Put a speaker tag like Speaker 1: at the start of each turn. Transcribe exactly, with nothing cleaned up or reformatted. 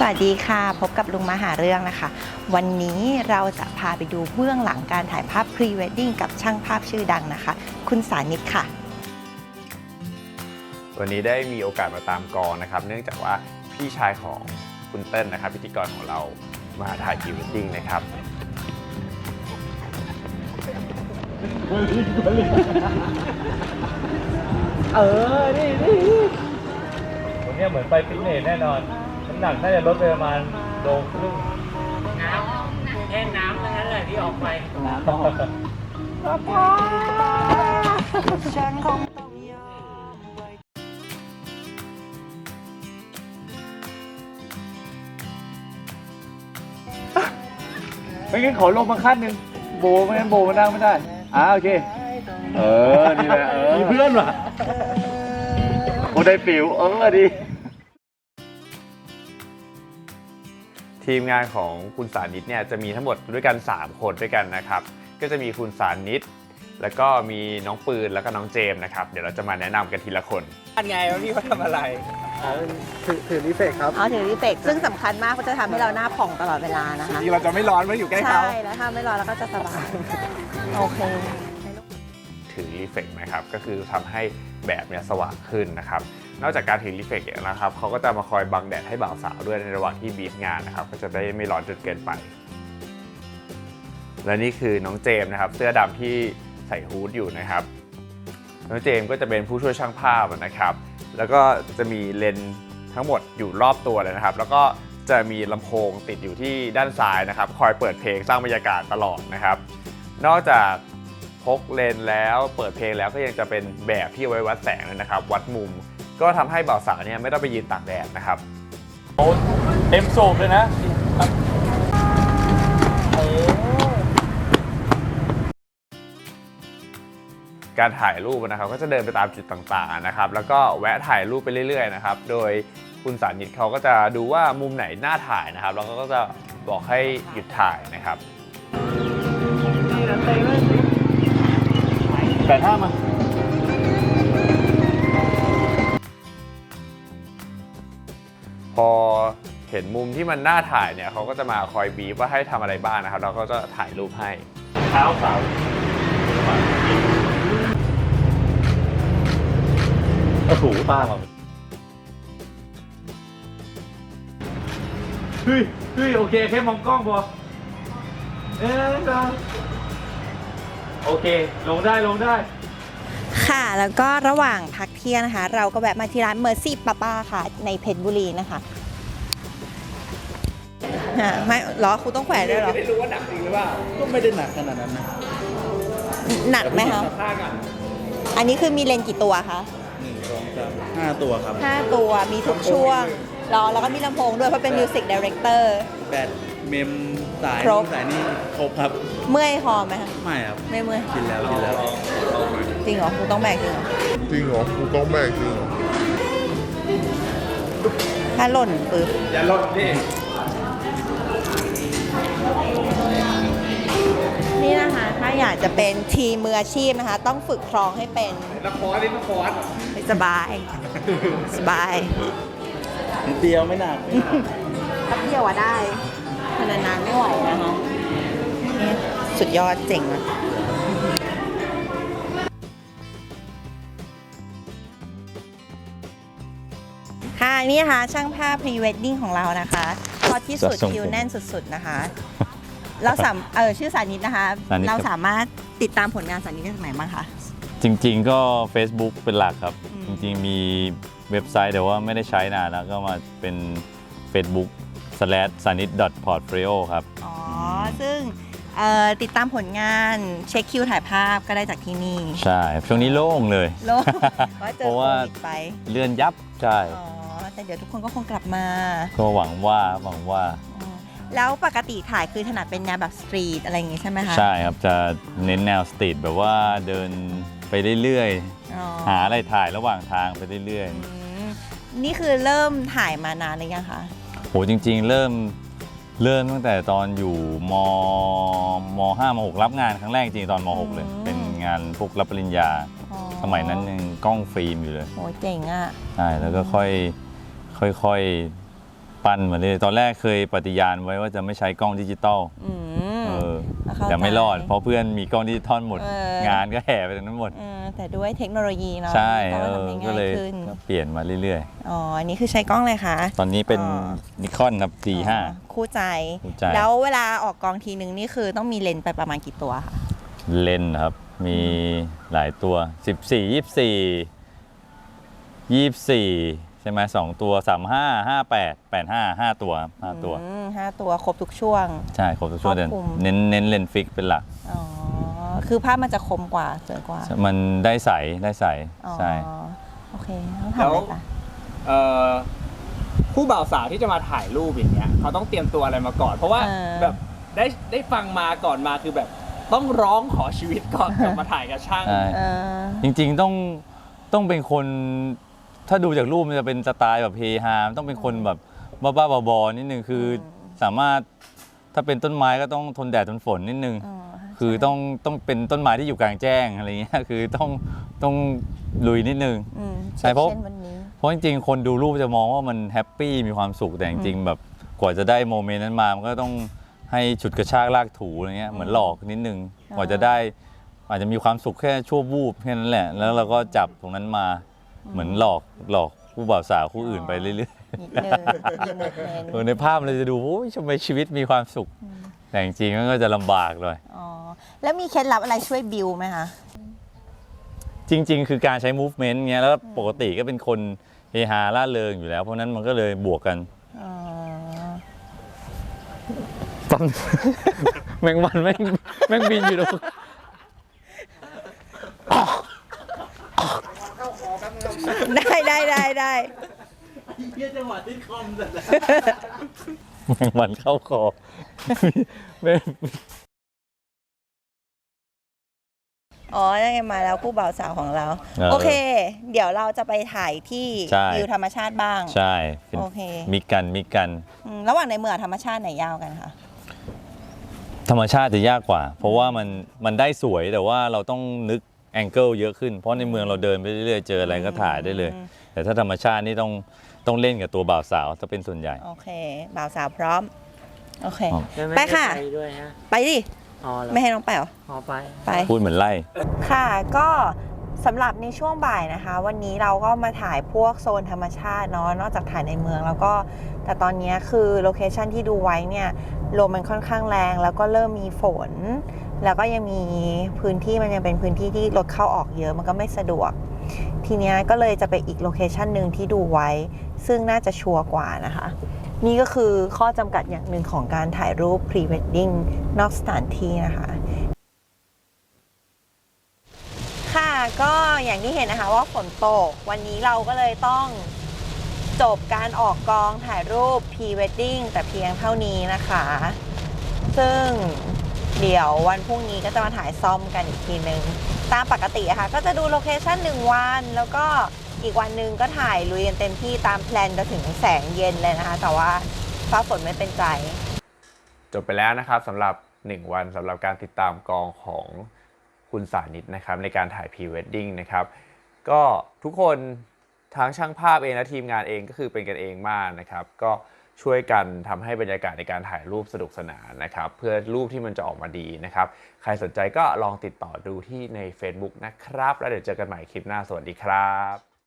Speaker 1: วัสดีค่ะพบกับลุงมาหาเรื่องนะคะวันนี้เราจะพาไปดูเบื้องหลังการถ่ายภาพพรีเวดดิ้งกับช่างภาพชื่อดังนะคะคุณสานิตค่ะ
Speaker 2: วันนี้ได้มีโอกาสมาตามกองนะครับเนื่องจากว่าพี่ชายของคุณเติ้ลนะครับพิธีกรของเรามาถ่ายพรีเวดดิ้งนะครับ
Speaker 3: เออ นี่นี่วันนี้เหมือนไปฟิตเนสแน่นอนน้ำหนักน่าจะลดไปประมาณโลครึ่ง
Speaker 4: น้ำแค่น้ำเท่านั้นแหละที่ออกไปน้ำ
Speaker 1: ฉันคง
Speaker 3: ไม่งั้นขอลงมาขั้นหนึ่งโบไม่งั้นโบมันนั่งไม่ได้อ่าโอเคเออนี่แหละเออมีเพื่อนว่ะโอ้ได้ฟิวเออดี
Speaker 2: ทีมงานของคุณสานิตเนี่ยจะมีทั้งหมดด้วยกันสามคนด้วยกันนะครับก็จะมีคุณสานิตแล้วก็มีน้องปืนแล้วก็น้องเจมส์นะครับเดี๋ยวเราจะมาแนะนำกันทีละคน
Speaker 4: อันไงว่าพี่เขาทำอะไร
Speaker 5: ถือถือรีเฟกครับ
Speaker 1: อ๋อถือรีเฟกซึ่งสำคัญมากเขาจะทำให้เราหน้าผ่องตลอดเวลานะคะ
Speaker 5: จริงเราจะไม่ร้อนเมื่ออยู่ใกล้เขา
Speaker 1: ใช่แล้วถ้าไม่ร้อนเราก็จะสบายโอเค
Speaker 2: ถือรีเฟกนะครับก็คือทำให้แบบเนี่ยสว่างขึ้นนะครับนอกจากการถือรีเฟกนะครับเขาก็จะมาคอยบังแดดให้บ่าวสาวด้วยในระหว่างที่บีบงานนะครับก็จะได้ไม่ร้อนจนเกินไปและนี่คือน้องเจมส์นะครับเสื้อดำที่ใส่ฮู้ดอยู่นะครับน้องเจมส์ก็จะเป็นผู้ช่วยช่างภาพนะครับแล้วก็จะมีเลนส์ทั้งหมดอยู่รอบตัวเลยนะครับแล้วก็จะมีลำโพงติดอยู่ที่ด้านซ้ายนะครับคอยเปิดเพลงสร้างบรรยากาศตลอดนะครับนอกจากพกเลนส์แล้วเปิดเพลงแล้วก็ยังจะเป็นแบบที่ไว้วัดแสงเลยนะครับวัดมุมก็ทำให้บ่าวสาวเนี่ยไม่ต้องไปยืนตากแดดนะครับ
Speaker 3: โอ้เต็มสูบเลยนะ
Speaker 2: การถ่ายรูปนะครับก็จะเดินไปตามจุดต่างๆนะครับแล้วก็แวะถ่ายรูปไปเรื่อยๆนะครับโดยคุณสานิตเขาก็จะดูว่ามุมไหนน่าถ่ายนะครับแล้วก็จะบอกให้หยุดถ่ายนะครับ
Speaker 3: แปดห้ามา
Speaker 2: พอเห็นมุมที่มันน่าถ่ายเนี่ยเขาก็จะมาคอยบีบว่าให้ทำอะไรบ้างนะครับเราก็จะถ่ายรูปให้
Speaker 3: เท้าสาวกระถูตาเราเฮ้ยเฮ้ยโอเคแค่มองกล้องพอเอ๊ะโอเคลงได้ลงได้
Speaker 1: ค่ะแล้วก็ระหว่างพักเที่ยงนะคะเราก็แวะมาที่ร้านเมอร์ซี่ป้าป้าค่ะในเพชรบุรีนะคะไม่หรอคุณต้องแขวนด้วยหรอ
Speaker 5: ไม่รู้ว่าหนักจริงหรือเปล่าก็ไม่ได้หนักขนาดนั้นนะ
Speaker 1: หนักไหมคะอันนี้คือมีเลนส์กี่ตัวคะ
Speaker 5: หนึ่งสองสามห้าตัวครับ
Speaker 1: ห้าตัวมีทุกช่วงรอแล้วก็มีลำโพงด้วยเพราะเป็นมิวสิกดีเรคเตอร์
Speaker 5: แบตเมมสายสายนี่ครบครับ
Speaker 1: เมื่อยคอไหมคะ
Speaker 5: ไม่ครับ
Speaker 1: ไม่เมื่อย
Speaker 5: กินแล้วกินแล้ว
Speaker 1: จริงเหรอคุณต้องแบกจริงเหรอ
Speaker 6: จริงเหรอคุณต้องแบกจริงเหรอ
Speaker 1: ถ้าหล่นปึ๊บ
Speaker 3: อย่าหล่นดิ
Speaker 1: นี่นะคะถ้าอยากจะเป็นทีมมืออาชีพนะคะต้องฝึกคลองให้เป็น
Speaker 3: ละครนี่ละคร
Speaker 1: สบายสบาย
Speaker 5: นิดเดียวไม่หนัก
Speaker 1: แป๊บเดียวอะได้นานๆไม่ไหวนะคะนี่สุดยอดเจ๋งอะค่ะนี่นะคะช่างภาพพรีเวดดิ้งของเรานะคะพอที่สุดคิวแน่นสุดๆนะคะเราสามเออชื่อสานิตนะคะเราสามารถติดตามผลงานสานิตได้ที่ไหนบ้างคะ
Speaker 7: จริงๆก็ Facebook เป็นหลักครับจริงๆมีเว็บไซต์แต่ว่าไม่ได้ใช้นานแล้วก็มาเป็น Facebook slash sanit dot portfolio ครับ
Speaker 1: อ๋อซึ่งติดตามผลงานเช็คคิวถ่ายภาพก็ได้จากที่นี่
Speaker 7: ใช่ช่วงนี้โล่งเลย
Speaker 1: โล่ง
Speaker 7: เพราะว่าเลื่อนยับใช่
Speaker 1: อ๋อแต่เดี๋ยวทุกคนก็คงกลับมา
Speaker 7: ก็หวังว่าหวังว่า
Speaker 1: แล้วปกติถ่ายคือถนัดเป็นแนวแบบสตรีทอะไรอย่างงี้ใช่ไหมคะ
Speaker 7: ใช่ครับจะเน้นแนวสตรีทแบบว่าเดินไปเรื่อยๆหาอะไรถ่ายระหว่างทางไปเรื่อย
Speaker 1: ๆนี่คือเริ่มถ่ายมานานหรือยังคะ
Speaker 7: โหจริงๆเริ่มเริ่มตั้งแต่ตอนอยู่มมห้ามหกรับงานครั้งแรกจริงตอนมหกเลยเป็นงานพวกรับปริญญาสมัยนั้นยังกล้องฟิล์มอยู่เลย
Speaker 1: โหเจ๋งอ่ะ
Speaker 7: ใช่แล้วก็ค่อยค่อยๆปั้นมาเลยตอนแรกเคยปฏิญาณไว้ว่าจะไม่ใช้กล้องดิจิตอล
Speaker 1: อืม
Speaker 7: เออ
Speaker 1: เข้าใจ
Speaker 7: แต่ไม่รอดเพราะเพื่อนมีกล้องดิจิตอลหมด
Speaker 1: เออ
Speaker 7: งานก็แห่ไปตรงนั้นหมด
Speaker 1: เออแต่ด้วยเทคโนโลยีเนาะ
Speaker 7: ใช่
Speaker 1: ก็
Speaker 7: เออ
Speaker 1: ทำให้
Speaker 7: ก็
Speaker 1: ง่า
Speaker 7: เลย ย
Speaker 1: ขึ้น
Speaker 7: ก็เปลี่ยนมาเรื่อย
Speaker 1: อ๋ออันนี้คือใช้กล้องเลยคะ
Speaker 7: ๆ ตอนนี้เป็น
Speaker 1: อ๋อ
Speaker 7: นิคอนครับสี่ห้า
Speaker 1: อ๋อคู่ใจ
Speaker 7: คู่ใจ
Speaker 1: แล้วเวลาออกกองทีนึงนี่คือต้องมีเลนส์ไปประมาณกี่ตัวคะ
Speaker 7: เลนส์ครับมีหลายตัว สิบสี่ ยี่สิบสี่ ยี่สิบสี่ใช่ไหมสองตัวสามห้า ห้าแปด แปดห้า ห้าตัวห้าตัว
Speaker 1: อืมห้าตัวครบทุกช่วง
Speaker 7: ใช่ครบทุกช่วง
Speaker 1: ครอบคลุม
Speaker 7: เน้นเน้นเลนส์ฟิกเป็นหลัก
Speaker 1: อ๋อคือภาพมันจะคมกว่าสวยกว่า
Speaker 7: มันได้ใสได้ใส
Speaker 1: อ๋อ
Speaker 7: ใช่
Speaker 1: โอเคต้องทำอะไรคะ
Speaker 4: เอ่อผู้บ่าวสาวที่จะมาถ่ายรูปอย่างเงี้ยเขาต้องเตรียมตัวอะไรมาก่อน เพราะว่า
Speaker 1: เออ
Speaker 4: แบบได้ได้ฟังมาก่อนมาคือแบบต้องร้องขอชีวิตก่อนกลับมาถ่ายกับช่าง
Speaker 7: ใช่
Speaker 1: เออ
Speaker 7: จริงๆต้องต้องเป็นคนถ้าดูจากรูปมันจะเป็นสไตล์แบบเฮฮาต้องเป็นคนแบบบ้าๆบอๆนิดนึงคืออสามารถถ้าเป็นต้นไม้ก็ต้องทนแดดทนฝนนิดนึง
Speaker 1: อ๋อ
Speaker 7: คือต้องต้องเป็นต้นไม้ที่อยู่กลางแจ้งอะไรเงี้ยคือต้องต้องลุยนิดนึง
Speaker 1: อืม
Speaker 7: ใช่เพราะ
Speaker 1: เช่นวันนี้
Speaker 7: เพราะจริงๆคนดูรูปจะมองว่ามันแฮปปี้มีความสุขแต่จริงๆแบบกว่าจะได้โมเมนต์นั้นมามันก็ต้องให้ฉุดกระชากลากถูอะไรเงี้ยเหมือนหลอกนิดนึงกว่าจะได้อาจจะมีความสุขแค่ชั่ววูบแค่นั้นแหละ แล้วเราก็จับตรงนั้นมาเหมือนหลอกหลอกผู้บ่าวสาวคู่อื่นไปเรื่อย
Speaker 1: นิดนึงมีโมเมนต์
Speaker 7: ๆเออในภาพเราจะดูโอ้ยทำไมชีวิตมีความสุข แต่จริงๆมันก็จะลำบากเลย
Speaker 1: อ๋อแล้วมีเคล็ดลับอะไรช่วยบิวไหมคะ
Speaker 7: จริง ๆ คือการใช้ movement เงี้ยแล้วปกติก็เป็นคนเฮฮาล่าเริงอยู่แล้วเพราะนั้นมันก็เลยบวกกัน
Speaker 1: อ๋อ
Speaker 7: ตอนแมงวันแม่งแม่งบินอยู่ตรง
Speaker 1: ได้ได้ได้ได้
Speaker 5: เยี่ยจังหวะที่คอมเสร็จแล้ว
Speaker 7: แมงวันเข้าคอไม่
Speaker 1: อ๋อยังไงมาแล้วคู่บ่าวสาวของเรา โอเค เดี๋ยวเราจะไปถ่ายที่
Speaker 7: ใช่
Speaker 1: วิวธรรมชาติบ้าง
Speaker 7: ใช่เป็น
Speaker 1: โอเค
Speaker 7: มิกกันมิกกัน
Speaker 1: อืมระหว่างในเมืองธรรมชาติไหนยาวกันคะ
Speaker 7: ธรรมชาติจะยากกว่า เพราะว่ามันมันได้สวยแต่ว่าเราต้องนึกแองเกิลเยอะขึ้น เพราะในเมืองเราเดินไปเรื่อยๆเจออะไรก็ถ่ายได้เลย แต่ถ้าธรรมชาตินี่ต้องต้องเล่นกับตัวบ่าวสาวถ้าเป็นส่วนใหญ่
Speaker 1: โอเค บ่าวสาวพร้อม โอเค
Speaker 7: อ๋อ
Speaker 1: ไปค่ะ
Speaker 4: ไปด้วยฮะ
Speaker 1: ไปดิ
Speaker 4: อ๋อเหรอ
Speaker 1: ไม่ให้น้องไปเหรอ
Speaker 4: อ๋อไป
Speaker 1: ไป
Speaker 7: พูดเหมือนไล่
Speaker 1: ค่ะก็สำหรับในช่วงบ่ายนะคะ วันนี้เราก็มาถ่ายพวกโซนธรรมชาติเนาะนอกจากถ่ายในเมืองแล้วก็แต่ตอนนี้คือโลเคชันที่ดูไว้เนี่ยลมมันค่อนข้างแรงแล้วก็เริ่มมีฝน แล้วก็ยังมีพื้นที่มันยังเป็นพื้นที่ที่รถเข้าออกเยอะมันก็ไม่สะดวก ทีนี้ก็เลยจะไปอีกโลเคชันหนึ่งที่ดูไว้ ซึ่งน่าจะชัวร์กว่านะคะ นี่ก็คือข้อจำกัดอย่างหนึ่งของการถ่ายรูป พรีเวดดิ้งนอกสถานที่นะคะ ค่ะก็อย่างที่เห็นนะคะว่าฝนตกวันนี้เราก็เลยต้องจบการออกกองถ่ายรูป พรีเวดดิ้งแต่เพียงเท่านี้นะคะ ซึ่งเดี๋ยววันพรุ่งนี้ก็จะมาถ่ายซ่อมกันอีกทีนึงตามปกติอะค่ะก็จะดูโลเคชั่นหนึ่งวันแล้วก็อีกวันหนึ่งก็ถ่ายลุยกันเต็มที่ตามแพลนจนถึงแสงเย็นเลยนะคะ แต่ว่าฟ้าฝนไม่เป็นใจ
Speaker 2: จบไปแล้วนะครับสำหรับหนึ่งวันสำหรับการติดตามกองของคุณสานิตนะครับในการถ่ายพรีเวดดิ้งนะครับก็ทุกคนทั้งช่างภาพเองและทีมงานเองก็คือเป็นกันเองมากนะครับก็ช่วยกันทำให้บรรยากาศในการถ่ายรูปสนุกสนานนะครับเพื่อรูปที่มันจะออกมาดีนะครับใครสนใจก็ลองติดต่อดูที่ใน Facebook นะครับแล้วเดี๋ยวเจอกันใหม่คลิปหน้าสวัสดีครับ